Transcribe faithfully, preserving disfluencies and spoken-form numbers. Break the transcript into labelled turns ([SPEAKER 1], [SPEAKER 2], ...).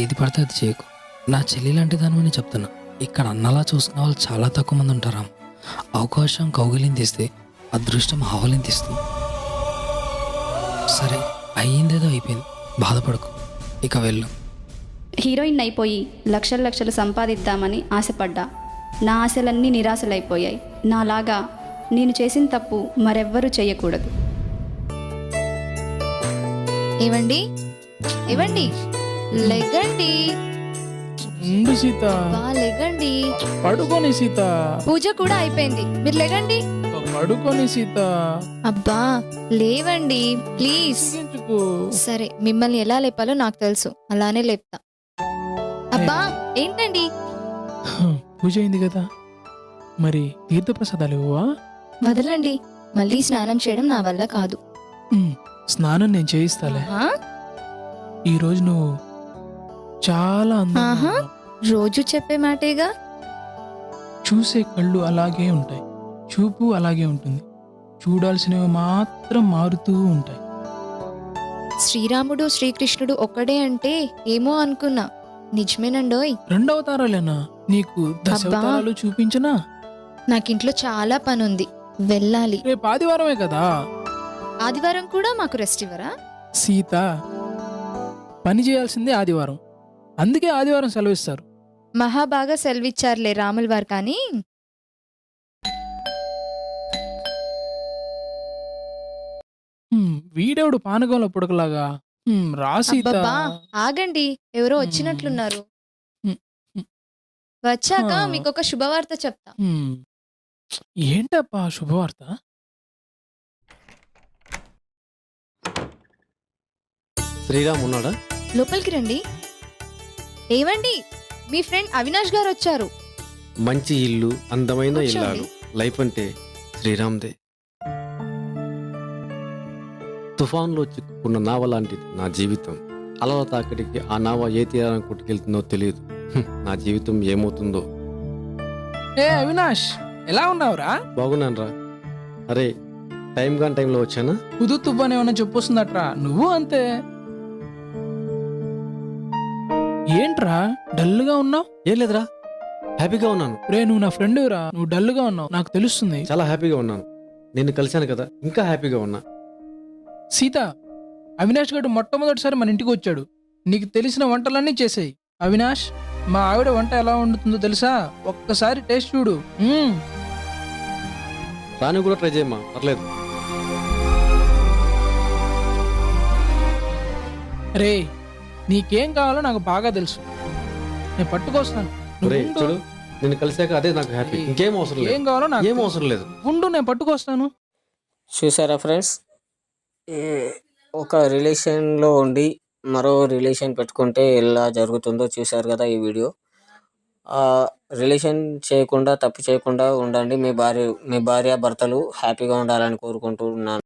[SPEAKER 1] ఏది పడితే అది చేయకు. నా చెల్లి లాంటి దానివని చెప్తున్నా. ఇక్కడ అన్నలా చూసుకునే వాళ్ళు చాలా తక్కువ మంది ఉంటారా. అవకాశం కౌగిలింతిస్తే అదృష్టం ఆవలింతిస్తుంది. సరే, అయ్యిందేదో అయిపోయింది, బాధపడకు, ఇక వెళ్ళు.
[SPEAKER 2] హీరోయిన్ అయిపోయి లక్షలు లక్షలు సంపాదిద్దామని ఆశపడ్డా. నా ఆశలన్నీ నిరాశలైపోయాయి. నాలాగా నేను చేసిన తప్పు మరెవ్వరూ చేయకూడదు.
[SPEAKER 3] ఏవండి ఏవండి లెగండి,
[SPEAKER 4] ఉండు సీత,
[SPEAKER 3] బా లెగండి.
[SPEAKER 4] పడుకోని సీత,
[SPEAKER 3] పూజ కూడా అయిపోయింది, మీరు లెగండి.
[SPEAKER 4] పడుకోని సీత.
[SPEAKER 3] అబ్బా లేవండి ప్లీజ్.
[SPEAKER 4] సిగించుకో.
[SPEAKER 3] సరే, మిమ్మల్ని ఎలా లేపాలో నాకు తెలుసు, అలానే లేపుతా. అబ్బా ఏంటండి?
[SPEAKER 4] పూజ అయింది కదా, మరి తీర్థప్రసాదాలు ఇవ్వవా?
[SPEAKER 3] వదలండి, మళ్ళీ స్నానం చేయడం నా వల్ల కాదు.
[SPEAKER 4] ఉమ్, స్నానం నేను చేయిస్తాలే.
[SPEAKER 3] ఆహా,
[SPEAKER 4] ఈ రోజు నువ్వు చాలా అందంగా
[SPEAKER 3] ఆహా.
[SPEAKER 4] ఉన్నావు.
[SPEAKER 3] రోజు చెప్పే మాటేగా.
[SPEAKER 4] చూసే కళ్ళు అలాగే ఉంటాయి, చూపు అలాగే ఉంటుంది, చూడాల్సినవి మాత్రం మారుతూ ఉంటాయి.
[SPEAKER 3] శ్రీరాముడు శ్రీకృష్ణుడు ఒక్కడే అంటే ఏమో అనుకున్నా, నిజమేనండోయ్.
[SPEAKER 4] రెండవతారాలేనా? నీకు దశావతారాలు చూపించనా?
[SPEAKER 3] నాకింట్లో చాలా పనుంది, వెళ్ళాలి.
[SPEAKER 4] రేపు ఆదివారమే కదా
[SPEAKER 3] ఆదివారం కూడా మాకు రెస్ట్ ఇవ్వరా?
[SPEAKER 4] సీత, పని చేయాల్సిందే ఆదివారం, అందుకే ఆదివారం సెలవిస్తారు.
[SPEAKER 3] మహాబాగా సెలవిచ్చారులే రాముల వారు. కానీ
[SPEAKER 4] హ్మ్, వీడెవడు పానకంలో పుడకలాగా? హ్మ్, రా సీత.
[SPEAKER 3] అబ్బబ్బా ఆగండి, ఎవరో
[SPEAKER 4] హ్మ్.
[SPEAKER 3] వచ్చినట్లున్నారు.
[SPEAKER 4] హ్మ్, హ్మ్.
[SPEAKER 3] వచ్చాక
[SPEAKER 4] ఆ.
[SPEAKER 3] మీకు ఒక శుభవార్త చెప్తా.
[SPEAKER 4] హ్మ్. ఏంటప్పా శుభవార్త?
[SPEAKER 5] శ్రీరామ్ ఉన్నాడా?
[SPEAKER 3] లోపలికి రండి. ఏవండి, మీ ఫ్రెండ్ అవినాష్ గారు వచ్చారు.
[SPEAKER 5] మంచి ఇల్లు, అందమైన
[SPEAKER 3] కూర్చోండి.
[SPEAKER 5] ఇల్లాలు, లైఫ్ అంటే శ్రీరామ్దే. తుఫాన్లో చిక్కుకున్న నావ లాంటిది నా జీవితం. అలల తాకిడికి ఆ నావ ఏ తీరాన్ని కొట్టుకెళ్తుందో తెలియదు. హ్మ్, నా జీవితం ఏమవుతుందో.
[SPEAKER 4] ఏ అవినాష్, ఎలా ఉన్నావురా?
[SPEAKER 5] బాగున్నానరా. అరే, టైం కాని టైంలో వచ్చానా?
[SPEAKER 4] కుదు తువ్వని ఏమన్నా చెప్పొస్తుందట్రా, నువ్వు అంతే. ఏంట్రా డల్గా ఉన్నావు?
[SPEAKER 5] ఏం లేదురా, హ్యాపీగా ఉన్నాను.
[SPEAKER 4] రే, నువ్వు నా ఫ్రెండ్ రా, నువ్వు డల్గా ఉన్నావు నాకు తెలుస్తుంది.
[SPEAKER 5] చాలా హ్యాపీగా ఉన్నాను. నిన్ను కలిశాను కదా, ఇంకా హ్యాపీగా ఉన్నా.
[SPEAKER 4] సీత, అవినాష్ గడు మొట్టమొదటిసారి మన ఇంటికి వచ్చాడు. నీకు తెలిసిన వంటలన్నీ చేసేయి. అవినాష్, మా ఆవిడ వంట ఎలా వండుతుందో తెలుసా? ఒక్కసారి టేస్ట్ చూడు. మ్మ్.
[SPEAKER 5] రాని కూడా ట్రై చేయమ్మా, పర్లేదు.
[SPEAKER 4] రే, నీకేం కావాలో నాకు బాగా తెలుసు, నేను పట్టుకొస్తాను. నువ్వు
[SPEAKER 5] ఒరే
[SPEAKER 4] ఉండు.
[SPEAKER 5] చూడు, నిన్ను కలిసాక అదే నాకు హ్యాపీ. ఇంకేం అవసరం
[SPEAKER 4] ఏం
[SPEAKER 5] లేదు,
[SPEAKER 4] కావాలో నాకు
[SPEAKER 5] ఏం
[SPEAKER 4] తెలుసు.
[SPEAKER 5] అవసరం లేదు.
[SPEAKER 4] ఉండు, నేను పట్టుకొస్తాను.
[SPEAKER 6] చూసారా ఫ్రెండ్స్, ఒక రిలేషన్లో ఉండి మరో రిలేషన్ పెట్టుకుంటే ఎలా జరుగుతుందో చూశారు కదా ఈ వీడియో. రిలేషన్ చేయకుండా, తప్పు చేయకుండా ఉండండి. మీ భార్య మీ భార్య భర్తలు హ్యాపీగా ఉండాలని కోరుకుంటున్నాను.